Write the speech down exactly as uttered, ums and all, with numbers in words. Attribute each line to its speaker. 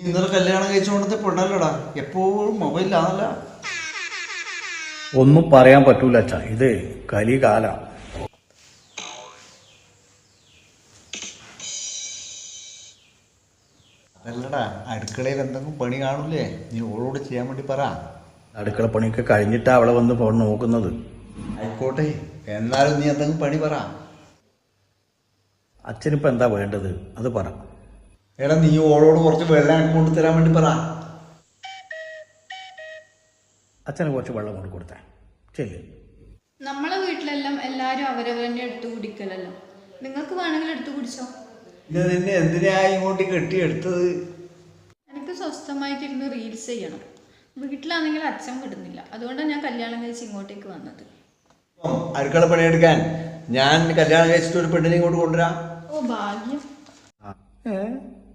Speaker 1: ഇന്നലെ കല്യാണം കഴിച്ചുകൊണ്ടത്തെ പെണ്ണല്ലടാ, എപ്പോഴും മൊബൈലിലാണല്ല.
Speaker 2: ഒന്നും പറയാൻ പറ്റൂല അച്ഛാ, ഇത് കലികാല.
Speaker 1: അതല്ലടാ, അടുക്കളയിൽ എന്തെങ്കിലും പണി കാണൂലേ, നീ ഓളോട് ചെയ്യാൻ വേണ്ടി പറ.
Speaker 2: അടുക്കള പണിയൊക്കെ കഴിഞ്ഞിട്ടാ അവളെ വന്ന് ഫോൺ നോക്കുന്നത്.
Speaker 1: ആയിക്കോട്ടെ, എന്നാലും നീ എന്തെങ്കിലും പണി പറ.
Speaker 2: അച്ഛനിപ്പോൾ എന്താ വേണ്ടത് അത് പറ.
Speaker 1: എടാ, നീ ഓളോട് കുറച്ച് വെള്ളം കൊണ്ട് തരാൻ വേണ്ടി പറ.
Speaker 2: അച്ഛന് കുറച്ച് വെള്ളം കൊണ്ട് കൊടുത്തേ ശരി.
Speaker 3: നമ്മളെ വീട്ടിലെല്ലാം എല്ലാരും അവരവരെന്നെ എടുത്തു കുടിക്കലല്ലോ, നിങ്ങൾക്ക് വേണമെങ്കിൽ എടുത്തു കുടിച്ചോ.
Speaker 1: ഇത് നിന്നെ എന്തിനാ ഇങ്ങോട്ട് കെട്ടിയെടുത്തത്?
Speaker 3: എനിക്ക് സ്വസ്ഥമായിട്ടിരുന്ന് റീൽസ് ചെയ്യണം. വീട്ടിലാണെങ്കിൽ അച്ഛൻ വിടുന്നില്ല, അതുകൊണ്ടാണ് ഞാൻ കല്യാണം കഴിച്ച് ഇങ്ങോട്ടേക്ക് വന്നത്.
Speaker 1: അടുക്കള പണിയെടുക്കാൻ ഞാൻ കല്യാണം കഴിച്ചിട്ട് ഒരു പെണ്ണിനെ ഇങ്ങോട്ട് കൊണ്ടുവരാം.
Speaker 3: ഓ ഭാഗ്യം.
Speaker 2: ഏ